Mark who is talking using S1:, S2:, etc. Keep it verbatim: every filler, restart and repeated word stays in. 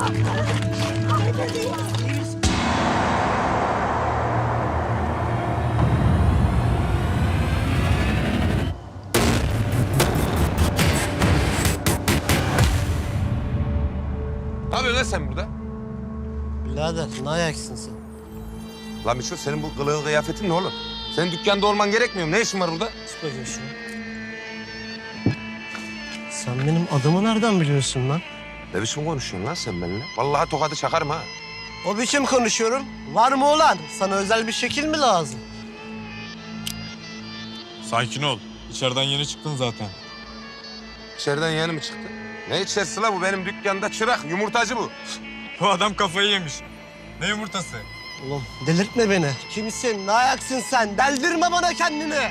S1: Ne yapıyorsun lan sen burada?
S2: Birader ne ayaksın sen?
S1: Lan Mişo senin bu kılığın kıyafetin ne oğlum? Senin dükkanda olman gerekmiyor mu? Ne işin var burada?
S2: Tut bakayım şunu. Sen benim adımı nereden biliyorsun lan?
S1: Ne biçim konuşuyorsun lan sen benimle? Vallahi tokadı çakarım ha.
S2: O biçim konuşuyorum. Var mı olan? Sana özel bir şekil mi lazım?
S3: Sakin ol. İçeriden yeni çıktın zaten.
S1: İçeriden yeni mi çıktı? Ne içerisi la bu? Benim dükkanda çırak, yumurtacı bu.
S3: Bu adam kafayı yemiş. Ne yumurtası?
S2: Oğlum delirtme beni. Kimsin? Ne ayaksın sen? Deldirme bana kendini.